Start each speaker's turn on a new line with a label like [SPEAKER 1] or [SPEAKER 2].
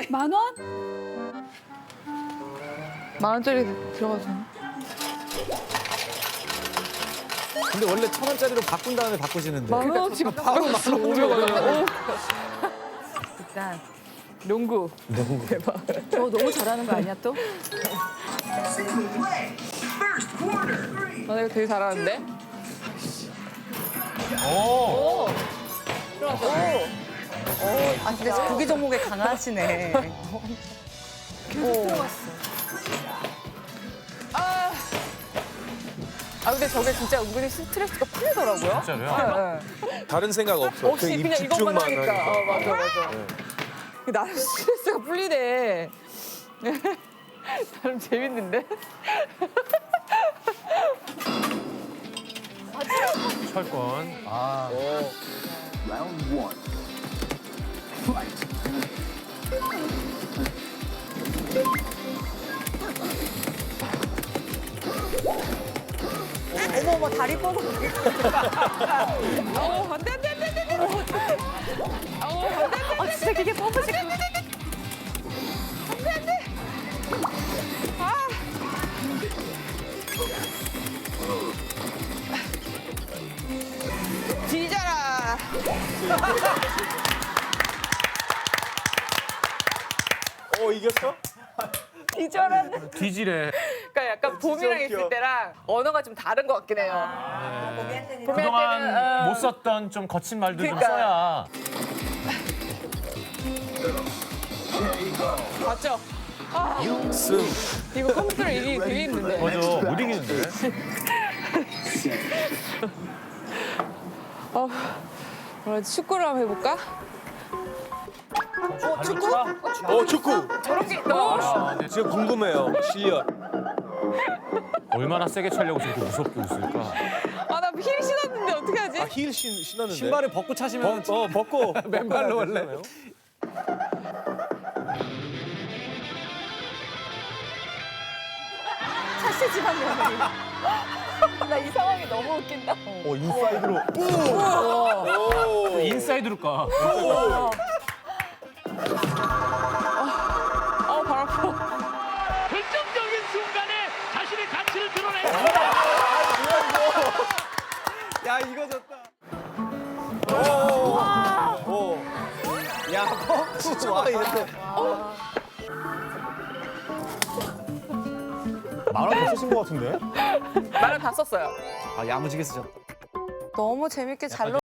[SPEAKER 1] 만 원?
[SPEAKER 2] 만 원짜리 들어가서.
[SPEAKER 3] 근데 원래 1,000원짜리로 바꾼 다음에 바꾸시는데.
[SPEAKER 2] 만 원어치가 바로 1,500원.
[SPEAKER 1] 일단
[SPEAKER 2] 농구. 대박.
[SPEAKER 1] 저 너무 잘하는 거 아니야 또?
[SPEAKER 2] 아, 이거 되게 잘하는데?
[SPEAKER 3] 오.
[SPEAKER 2] 들어갔어.
[SPEAKER 4] 아 근데 구기 종목에 강하시네.
[SPEAKER 1] 계속 들어갔어.
[SPEAKER 2] 아, 근데 저게 진짜 은근히 스트레스가 풀리더라고요.
[SPEAKER 3] 진짜로요?
[SPEAKER 2] 네.
[SPEAKER 3] 다른 생각 없어.
[SPEAKER 2] 없이
[SPEAKER 3] 그 입
[SPEAKER 2] 그냥 이것만
[SPEAKER 3] 집중만
[SPEAKER 2] 하니까.
[SPEAKER 3] 하니까.
[SPEAKER 2] 맞아, 맞아. 나름 스트레스가 풀리네. 나름 재밌는데?
[SPEAKER 5] 철권.
[SPEAKER 3] 아.
[SPEAKER 4] 어머 어머 다리 뻗어.
[SPEAKER 2] 아우, 안 돼, 안 돼, 안 돼, 안 돼. 아우, 안 돼, 안 돼.
[SPEAKER 1] 아 진짜 그게 뻗으시고.
[SPEAKER 2] 뒤져라.
[SPEAKER 3] 이겼어?
[SPEAKER 2] 뒤져라.
[SPEAKER 5] 뒤지래.
[SPEAKER 2] 그러니까 약간 봄이랑
[SPEAKER 3] 웃겨.
[SPEAKER 2] 있을 때랑 언어가 좀 다른 것 같긴 해요. 봄이 할 때는,
[SPEAKER 5] 그동안 못 썼던 좀 거친 말도 좀
[SPEAKER 2] 그러니까.
[SPEAKER 5] 써야.
[SPEAKER 2] 맞죠?
[SPEAKER 3] 승.
[SPEAKER 2] 이거 컴퓨터로 이기기 되게 힘든데.
[SPEAKER 5] 맞아, 못 이기는데.
[SPEAKER 2] 그럼 축구를 한번 해볼까?
[SPEAKER 3] 축구.
[SPEAKER 2] 저런 게 있다.
[SPEAKER 3] 지금 궁금해요. 실력.
[SPEAKER 5] 얼마나 세게 차려고 저렇게 무섭게 웃을까?
[SPEAKER 2] 아, 나 힐 신었는데 어떻게 하지?
[SPEAKER 3] 힐 신었는데.
[SPEAKER 6] 신발을 벗고 차시면
[SPEAKER 3] 벗고.
[SPEAKER 6] 맨발로 원래.
[SPEAKER 1] 차시지만 며느리. 나 이 상황이 너무 웃긴다.
[SPEAKER 3] 인사이드로.
[SPEAKER 5] 인사이드로 까.
[SPEAKER 2] 발 아파.
[SPEAKER 7] 결정적인 순간에 자신의 가치를 드러낸
[SPEAKER 6] 야 이거 좋다.
[SPEAKER 3] 야, 진짜 많이 했네.
[SPEAKER 6] 만원 더 쓰신 것 같은데?
[SPEAKER 2] 말을 다 썼어요.
[SPEAKER 6] 아 야무지게 쓰셨다.
[SPEAKER 4] 너무 재밌게 잘